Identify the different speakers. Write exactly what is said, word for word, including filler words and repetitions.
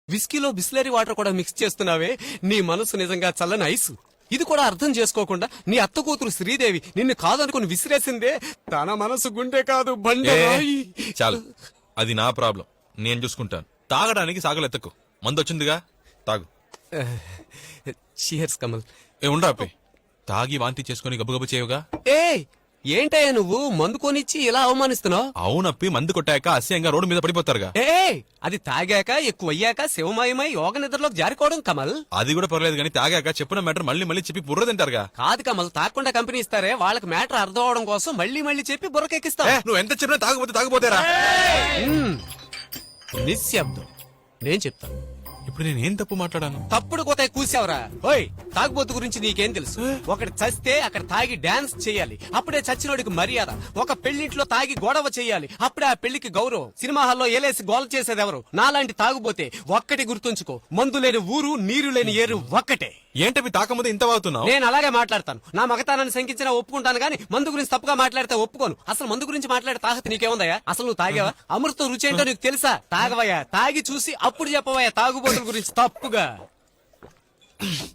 Speaker 1: విస్కీలో Bisleri water కూడా mix చేస్తున్నావే, నీ మనసు నిజంగా చల్లని ఐసు. ఇది కూడా అర్థం చేసుకోకుండా నీ అత్త కూతురు శ్రీదేవి నిన్ను కాదనుకుని విసిరేసిందే. తన మనసు గుండె కాదు బండి.
Speaker 2: చాలు, అది నా ప్రాబ్లం, నేను చూసుకుంటాను. తాగడానికి సాగలెత్తకు, మందు వచ్చిందిగా, తాగు.
Speaker 1: చీర్స్ కమల్.
Speaker 2: ఏ ఉండా అప్పి, తాగి వాంతి చేసుకుని గబగబు చేయవుగా.
Speaker 1: ఏ ఏంటయ్యా నువ్వు మందు కొనిచ్చి ఇలా అవమానిస్తున్నావు?
Speaker 2: అవునప్పి, మందు కొట్టాక అసహ్యంగా రోడ్డు మీద పడిపోతారుగా.
Speaker 1: ఏ అది తాగాక ఎక్కువ అయ్యాక శివమయమై యోగ నిద్రలోకి జారికోవడం కమల్.
Speaker 2: అది కూడా పర్లేదు కానీ తాగాక చెప్పిన మ్యాటర్ మళ్ళీ మళ్ళీ చెప్పి బుర్ర తింటారుగా.
Speaker 1: కాదు కమల్, తాగకుండా కంపెనీ ఇస్తారే, వాళ్ళకి మ్యాటర్ అర్థం అవడం కోసం మళ్ళీ మళ్ళీ చెప్పి బుర్రకెక్కిస్తా.
Speaker 2: నువ్వు ఎంత చెప్పినా తాగపోతే తాగపోతారా?
Speaker 1: నిశ్శబ్దం, నేను చెప్తాను.
Speaker 2: ఇప్పుడు నేను ఏం తప్పు మాట్లాడాను?
Speaker 1: తప్పుడు కోత కూసావరా? ఓయ్, తాగుబోతు గురించి నీకేం తెలుసు? ఒకటి చస్తే అక్కడ తాగి డాన్స్ చేయాలి, అప్పుడే చచ్చినోడికి మర్యాద. ఒక పెళ్లింట్లో తాగి గొడవ చేయాలి, అప్పుడే ఆ పెళ్లికి గౌరవం. సినిమా హాల్లో ఏలేసి గోల చేసేది ఎవరు? నాలాంటి తాగుబోతే. ఒక్కటి గుర్తుంచుకో, మందు లేని ఊరు, నీరు లేని ఏరు ఒక్కటే.
Speaker 2: ఏంటవి తాకముందు ఇంత వాగుతున్నావు?
Speaker 1: నేను అలాగే మాట్లాడతాను. నా మగతానాన్ని శంకించినా ఒప్పుకుంటాను గానీ మందు గురించి తప్పుగా మాట్లాడితే ఒప్పుకోను. అసలు మందు గురించి మాట్లాడే తాహత నీకేముందయ్యా? అసలు నువ్వు తాగావా? అమృతం రుచి ఏంటో నీకు తెలుసా? తాగవయ్యా, తాగి చూసి అప్పుడు చెప్పవయ్యా తాగుబోతుల గురించి తప్పుగా.